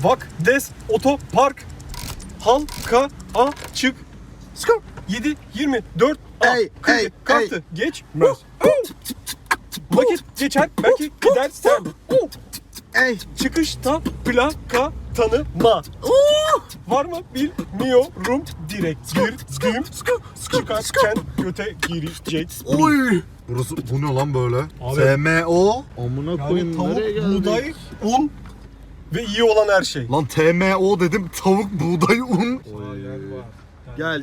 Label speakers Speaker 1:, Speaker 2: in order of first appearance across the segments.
Speaker 1: Vak, des, otopark. Halka, açık. 7, 24, kartı geçmez. Vakit geçer, belki gidersen. Çıkışta plaka tanıma. Var mı bilmiyorum, direkt girdim. Çıkarken göte girecek.
Speaker 2: Oy! Burası bu ne lan böyle?
Speaker 1: Abi.
Speaker 2: TMO. Amına
Speaker 1: Yani
Speaker 2: koyayım
Speaker 1: tavuk,
Speaker 2: nereye geldik?
Speaker 1: buğday, un ve iyi olan her şey.
Speaker 2: Lan TMO dedim, tavuk, buğday, un.
Speaker 1: Gel.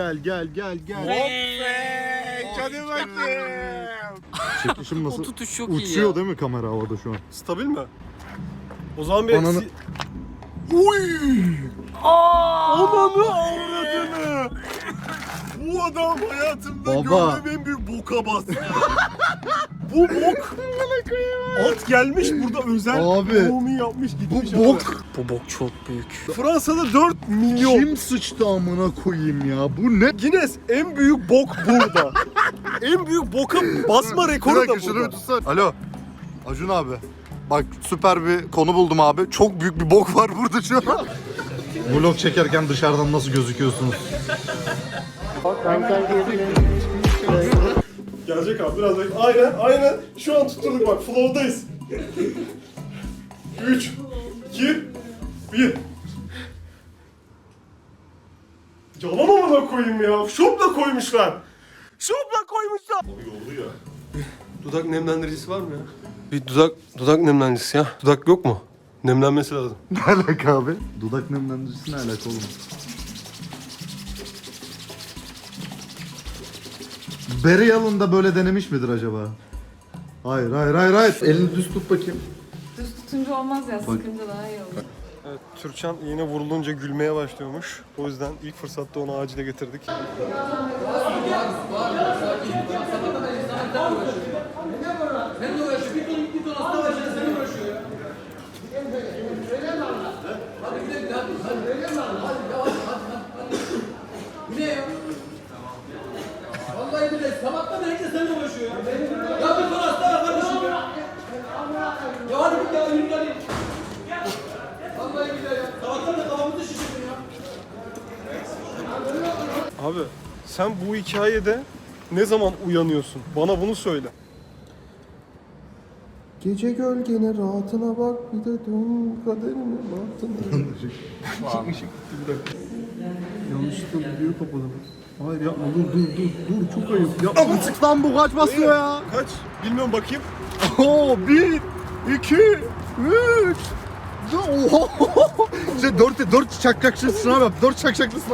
Speaker 2: Hadi bakayım. Çekişim nasıl?
Speaker 3: O tutuş çok iyi
Speaker 2: Uçuyor
Speaker 3: ya.
Speaker 2: değil mi kamera havada şu an?
Speaker 1: Stabil mi? O zaman bir...
Speaker 2: Ananı- Uy!
Speaker 1: Ananı avradını! Bu adam hayatımda
Speaker 2: Baba.
Speaker 1: gördüğüm en büyük boka bastı. Bu bok... At gelmiş burada özel
Speaker 2: Abi.
Speaker 1: doğumu yapmış gitmiş.
Speaker 2: Bu
Speaker 1: abi.
Speaker 2: bok.
Speaker 3: Bu bok çok büyük.
Speaker 1: Fransa'da 4 milyon.
Speaker 2: Kim sıçtı amına koyayım ya? Bu ne?
Speaker 1: Guinness en büyük bok burada. En büyük boka basma rekoru
Speaker 2: Bir
Speaker 1: da
Speaker 2: dakika şunu bir
Speaker 1: burada.
Speaker 2: tutsana. Alo. Acun abi. Bak süper bir konu buldum abi. Çok büyük bir bok var burada şu an. Vlog çekerken dışarıdan nasıl gözüküyorsunuz?
Speaker 1: Gelecek abi biraz da. Aynen. Şu an tutturduk bak. Flow'dayız. 3, 2, 1. Yalan amına koyayım ya. Şopla koymuşlar. Yoldu ya. Dudak nemlendiricisi var mı ya? Bir dudak nemlendiricisi ya. Dudak yok mu? Nemlenmesi lazım.
Speaker 2: Ne alaka abi? Dudak nemlendiricisi ne alaka oğlum? Barry Allen da böyle denemiş midir acaba? Hayır. Elini düz tut bakayım.
Speaker 4: Düz tutunca olmaz ya, sıkınca daha iyi olur.
Speaker 1: Evet, Türkçen iğne vurulunca gülmeye başlıyormuş. O yüzden ilk fırsatta onu acile getirdik.
Speaker 5: Vallahi billahi sabahtan herkes seninle uğraşıyor ya. Ya bir ton hasta var kardeşim ya. Ya hadi bir daha yürü hadi. Vallahi billahi ya. Sabahtan da kafamızı şişirdin ya.
Speaker 1: Abi sen bu hikayede ne zaman uyanıyorsun? Bana bunu söyle. Gece gölgene rahatına bak, bir de dön kaderine bahtına. Yanlışlıkla videoyu kapadım. Hayır yapma, dur çok ayıp. Yapma.
Speaker 2: Amıcık lan bu kaç basıyor ya?
Speaker 1: Kaç? Bilmiyorum, bakayım.
Speaker 2: Oo 1, 2, 3. Oho. İşte 4 çakçaklı sınav yap. 4 çakçaklı sınav.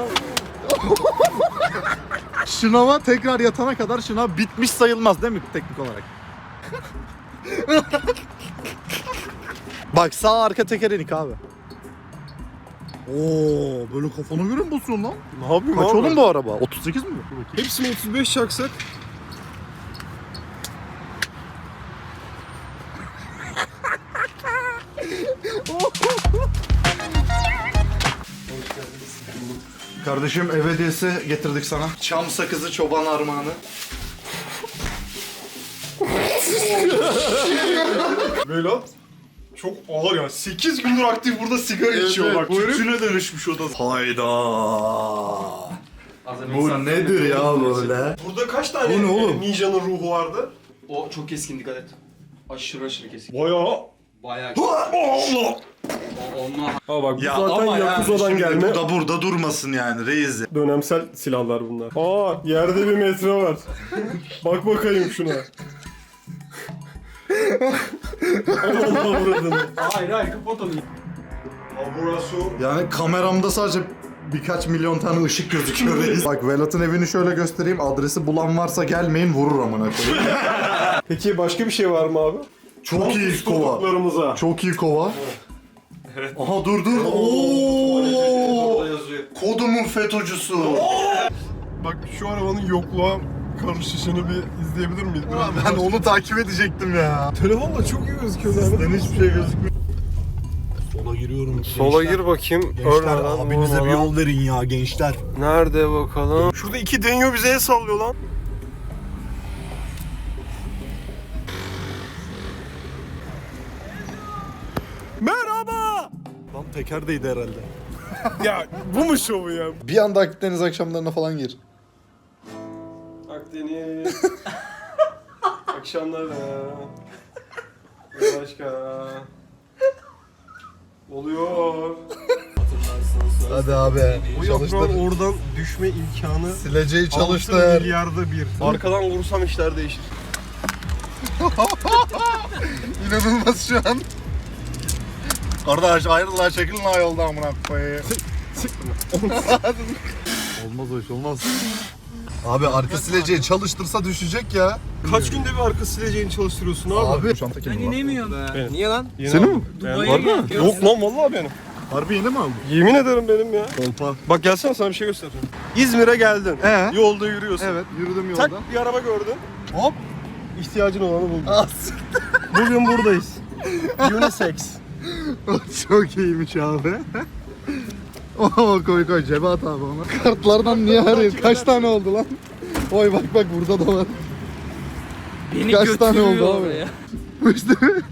Speaker 2: Şınava tekrar yatana kadar şınav bitmiş sayılmaz değil mi teknik olarak? Bak sağ arka teker inik abi. Oo böyle kafana göre mi basıyorsun lan?
Speaker 1: Ne yapayım
Speaker 2: Kaç
Speaker 1: abi?
Speaker 2: oğlum bu araba? 38 mi?
Speaker 1: Hepsini 35 çaksak.
Speaker 2: Kardeşim ev hediyesi getirdik sana. Çam sakızı çoban armağanı.
Speaker 1: Velat çok ağır ya. 8 gündür aktif burada sigara içiyor bak. Tütüne dönüşmüş o da.
Speaker 2: Hayda. Bu nedir ya böyle?
Speaker 1: Burada kaç tane
Speaker 2: Bu ne oğlum?
Speaker 1: ninjanın ruhu vardı?
Speaker 3: O çok keskin, dikkat et. Aşırı keskin.
Speaker 1: Bayağı.
Speaker 3: Bayağı
Speaker 1: Allah!
Speaker 3: Onunla
Speaker 1: Ha bak bu
Speaker 2: Ya
Speaker 1: zaten
Speaker 2: ama
Speaker 1: Yakuza'dan
Speaker 2: şimdi
Speaker 1: gelme.
Speaker 2: bu da burada durmasın yani reis.
Speaker 1: Dönemsel silahlar bunlar. Aa, yerde bir metre var. Bak bakayım şuna. Aman avradını.
Speaker 3: Hayır kapat onu.
Speaker 1: Aburası.
Speaker 2: Yani kameramda sadece birkaç milyon tane ışık gözüküyor reis. Bak Velat'ın evini şöyle göstereyim. Adresi bulan varsa gelmeyin, vurur amına koyayım.
Speaker 1: Peki başka bir şey var mı abi?
Speaker 2: Çok iyi kova.
Speaker 1: Tuttuklarımıza.
Speaker 2: Çok iyi kova. Aha dur. Oo! Kodumun FETÖ'cüsü.
Speaker 1: Bak şu arabanın yokluğa karışışını bir izleyebilir miyiz?
Speaker 2: Ben onu takip edecektim ya.
Speaker 1: Telefonla çok iyi gözüküyor zaten.
Speaker 2: Sizden hiçbir şey gözükmüyor.
Speaker 6: Sola giriyorum.
Speaker 1: Sola gir bakayım.
Speaker 6: Gençler
Speaker 1: Ölmeden,
Speaker 6: abinize bir
Speaker 1: vurmadan.
Speaker 6: yol verin ya gençler.
Speaker 1: Nerede bakalım? Şurada iki deniyor, bize el sallıyor lan. Merhaba. Lan
Speaker 6: teker değdi herhalde.
Speaker 1: Ya bu mu şovu ya?
Speaker 2: Bir anda Akdeniz akşamlarına falan gir.
Speaker 1: Akdeniz. Akşamlar başka. Oluyor.
Speaker 2: Hadi abi.
Speaker 1: Bu yaprağın oradan düşme imkanı
Speaker 2: Sileceği
Speaker 1: 6
Speaker 2: çalıştır.
Speaker 1: milyarda bir. Arkadan vursam işler değişir.
Speaker 2: İnanılmaz şu an. Kardeş ayrılar çekilin ha yolda amına koyayım. Olmaz o iş olmaz. Abi arka sileceği çalıştırsa düşecek ya.
Speaker 1: Kaç günde bir arka sileceğini çalıştırıyorsun abi?
Speaker 2: Abi. Şu anda kimin var?
Speaker 3: İnemiyorum. Niye lan?
Speaker 1: Senin mi?
Speaker 3: Dubai'ye gel.
Speaker 1: Yok lan vallahi benim.
Speaker 2: Harbi yeni mi aldın?
Speaker 1: Yemin ederim benim ya.
Speaker 2: Kolpa.
Speaker 1: Bak gelsene sana bir şey göstereceğim. İzmir'e geldin. Yolda yürüyorsun.
Speaker 2: Evet yürüdüm
Speaker 1: Tak
Speaker 2: yolda.
Speaker 1: bir araba gördün.
Speaker 2: Hop.
Speaker 1: İhtiyacın olanı buldun.
Speaker 2: As.
Speaker 1: Bugün buradayız. Unisex.
Speaker 2: Çok iyiymiş abi. Oo koy cebe at abi onu. Kartlardan niye arıyorsun? Kaç tane oldu lan? Oy bak burada da var.
Speaker 3: Beni
Speaker 2: Kaç tane
Speaker 3: götürüyor
Speaker 2: oldu abi?
Speaker 3: oraya.
Speaker 2: İşte.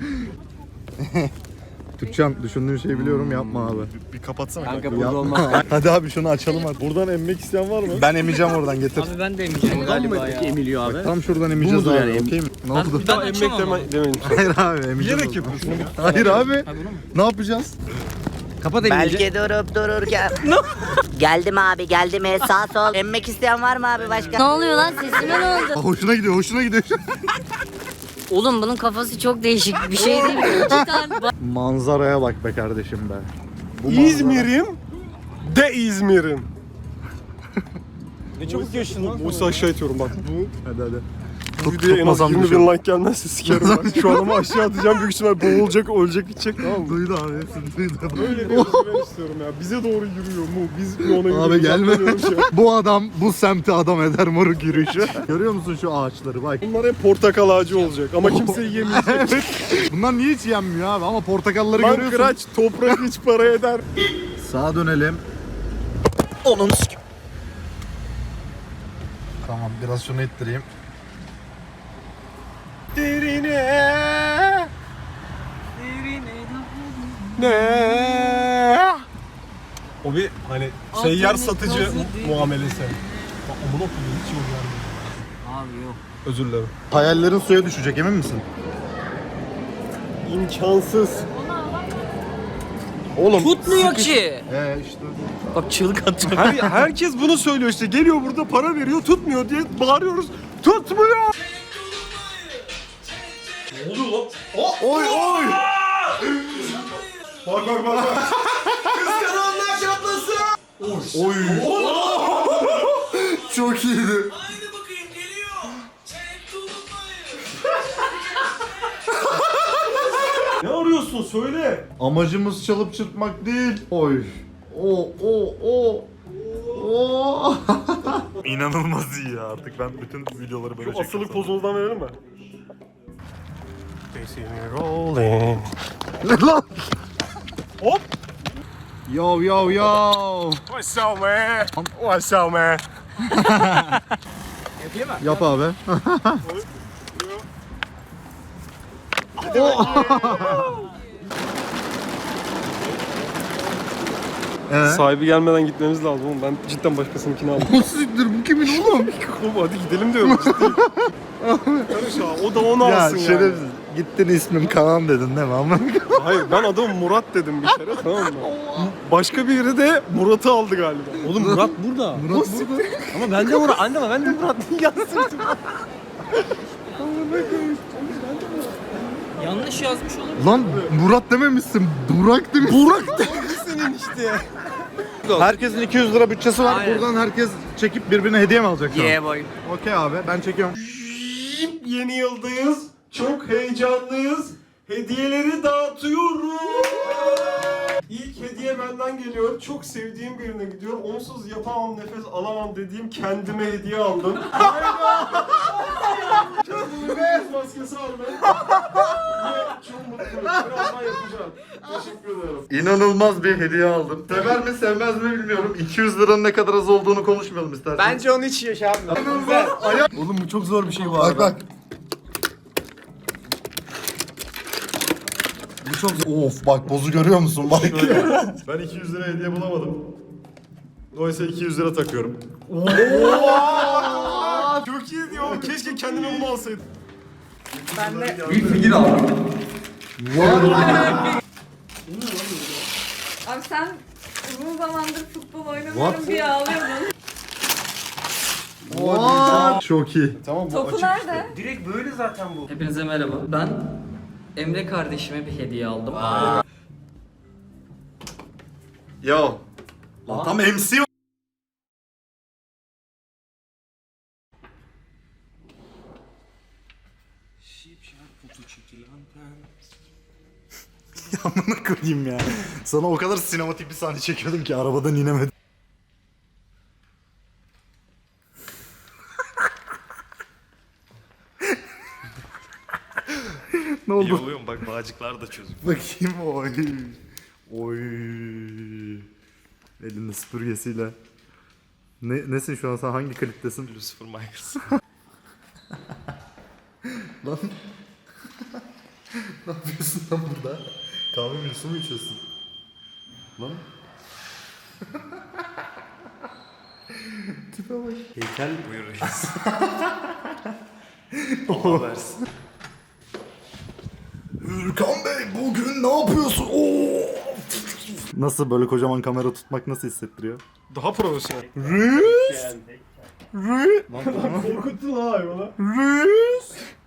Speaker 2: Türkçen düşündüğün şeyi biliyorum yapma abi.
Speaker 1: Bir kapatsana
Speaker 3: Kanka
Speaker 1: kanka.
Speaker 3: burada olmaz.
Speaker 2: Hadi abi şunu açalım hadi.
Speaker 1: Buradan emmek isteyen var mı?
Speaker 2: Ben emeceğim oradan getir.
Speaker 3: Abi ben de emeceğim galiba ya. Emiliyor abi.
Speaker 2: Tam şuradan emeceğiz
Speaker 3: mudur
Speaker 2: abi.
Speaker 3: yani?
Speaker 2: Okey mi? Ne oldu?
Speaker 3: Ben
Speaker 1: Emmek
Speaker 3: açamam
Speaker 1: demeyin.
Speaker 2: Hayır abi emeceğiz.
Speaker 1: Bilerek
Speaker 2: o zaman.
Speaker 1: yapıyorsun.
Speaker 2: Hayır abi. Ne yapacağız?
Speaker 3: Kapat emeceğim.
Speaker 7: Belki durup dururken. Geldim abi geldim. Sağ sol. Emmek isteyen var mı abi başka?
Speaker 8: Ne oluyor lan, sesime ne oldu?
Speaker 2: Hoşuna gidiyor hoşuna gidiyor.
Speaker 8: Oğlum bunun kafası çok değişik bir şey değil mi? Cidden.
Speaker 2: Manzaraya bak be kardeşim be. Bu manzara-
Speaker 1: İzmir'im de İzmir'im. Ne çabuk geçtin lan. Bu aşağı itiyorum bak.
Speaker 2: Hadi hadi.
Speaker 1: Bu videoya en az
Speaker 2: tutmasam
Speaker 1: 20
Speaker 2: düşüyor.
Speaker 1: bin like gelmezse sikerim bak. Şu adamı aşağı atacağım büyük ihtimal boğulacak ölecek gidecek tamam mı?
Speaker 2: Duydu abi hepsini duydu.
Speaker 1: Öyle bir özgüven istiyorum ya. Bize doğru yürüyor mu? Biz mi ona yürüyoruz?
Speaker 2: Abi gelme.
Speaker 1: Anlamıyorum şu an.
Speaker 2: Bu adam bu semti adam eder moruk yürüyüşü. Görüyor musun şu ağaçları bak.
Speaker 1: Bunlar hep portakal ağacı olacak ama kimse yiyemeyecek.
Speaker 2: Evet. Bunlar niye hiç yenmiyor abi ama portakalları
Speaker 1: Lan
Speaker 2: görüyorsun.
Speaker 1: kıraç toprak hiç para eder.
Speaker 2: Sağa dönelim. Onun Tamam biraz şunu ittireyim.
Speaker 1: Derine. Ne? O bir hani seyyar satıcı muamelesi. Bak amına koyayım hiç yok yani.
Speaker 3: Abi yok.
Speaker 1: Özür dilerim.
Speaker 2: Hayallerin suya düşecek emin misin?
Speaker 1: İmkansız. Oğlum
Speaker 3: Tutmuyor ki.
Speaker 2: İşte.
Speaker 3: Bak çığlık atıyor.
Speaker 1: herkes bunu söylüyor işte. Geliyor burada para veriyor tutmuyor diye bağırıyoruz. Tutmuyor. Ne oluyor lan?
Speaker 2: Oy oy.
Speaker 1: Bak bak bak. bak.
Speaker 5: Kıskananlar çatlasın.
Speaker 2: Oy. Çok iyiydi.
Speaker 5: Haydi bakayım geliyor. Çek tutmayı.
Speaker 1: Ne arıyorsun söyle.
Speaker 2: Amacımız çalıp çırpmak değil. Oy. O. İnanılmaz iyi ya artık ben bütün videoları böyle
Speaker 1: Şu asılı pozunuzdan verelim mi? They see me rolling.
Speaker 2: Ne lan?
Speaker 1: Hop.
Speaker 2: Yo.
Speaker 1: What's up man? What's up man?
Speaker 2: Yap abi.
Speaker 1: Sahibi gelmeden gitmemiz lazım oğlum. Ben cidden başkasınınkini aldım.
Speaker 2: Nasıl siktir bu kimin oğlum?
Speaker 1: Oğlum hadi gidelim diyorum ciddi. Karış ha, o da onu
Speaker 2: Ya
Speaker 1: alsın yani.
Speaker 2: şerefsiz. Gittin ismim Kaan dedin değil mi? Ama
Speaker 1: Hayır ben adamı Murat dedim bir kere tamam mı? Başka biri de Murat'ı aldı galiba.
Speaker 3: Oğlum Murat burada.
Speaker 2: Murat burada.
Speaker 3: Ama ben de Murat. Anne ama ben de Murat. Yazsın. Yanlış yazmış olabilir.
Speaker 2: Lan Murat dememişsin. Burak demişsin. Burak
Speaker 1: Senin işte.
Speaker 2: Herkesin 200 lira bütçesi var.
Speaker 3: Aynen.
Speaker 2: Buradan herkes çekip birbirine hediye mi alacak? şu an?
Speaker 3: Yeah boy.
Speaker 2: Okey abi ben çekiyorum.
Speaker 1: Yeni yıldayız. Çok heyecanlıyız. Hediyeleri dağıtıyorum. İlk hediye benden geliyor. Çok sevdiğim birine gidiyor. Onsuz yapamam, nefes alamam dediğim kendime hediye aldım. Kendime beyaz maskesi aldım. Ve çok mutluyum. Birazdan yapacağım. Teşekkür ederim.
Speaker 2: İnanılmaz bir hediye aldım. Sever mi sevmez mi bilmiyorum. 200 liranın ne kadar az olduğunu konuşmayalım istersen.
Speaker 3: Bence onu hiç yaşamıyor.
Speaker 1: Oğlum bu çok zor bir şey bu
Speaker 2: Bak bak.
Speaker 3: çok zor.
Speaker 2: Of bak bozu görüyor musun? Bak.
Speaker 1: Ben 200 lira hediye bulamadım. Dolayısıyla 200 lira takıyorum. Çok iyi diyor. Keşke kendime bunu alsaydım.
Speaker 4: Ben de
Speaker 3: Bir figür aldım.
Speaker 4: abi sen uzun zamandır futbol oynamıyorum diye ağlıyordun.
Speaker 2: Çok iyi.
Speaker 1: Tamam bu
Speaker 4: Topu
Speaker 1: açık
Speaker 4: nerede?
Speaker 3: Direkt böyle zaten bu.
Speaker 9: Hepinize merhaba. Ben Emre kardeşime bir hediye aldım.
Speaker 2: Yo. Lan tam MC o. Amına koyayım ya. Sana o kadar sinematik bir sahne çekiyordum ki arabadan inemedim. Ne oldu?
Speaker 6: İyi oluyor mu? Bak bağcıklar da çözük.
Speaker 2: Bakayım oy. Oy. Elinde süpürgesiyle. Nesin şu an, sen hangi kliptesin?
Speaker 6: Lucifer Myers.
Speaker 2: Lan. Ne yapıyorsun lan burada? Kahve mi, su mu içiyorsun? Lan. Tipe bak.
Speaker 6: Heykel buyur reis. Allah versin.
Speaker 2: Hürkan Bey bugün ne yapıyorsun? Oo! Nasıl böyle kocaman kamera tutmak nasıl hissettiriyor?
Speaker 1: Daha profesyonel.
Speaker 2: Rüz!
Speaker 1: Korkuttun ha hayvana.
Speaker 2: Rüz!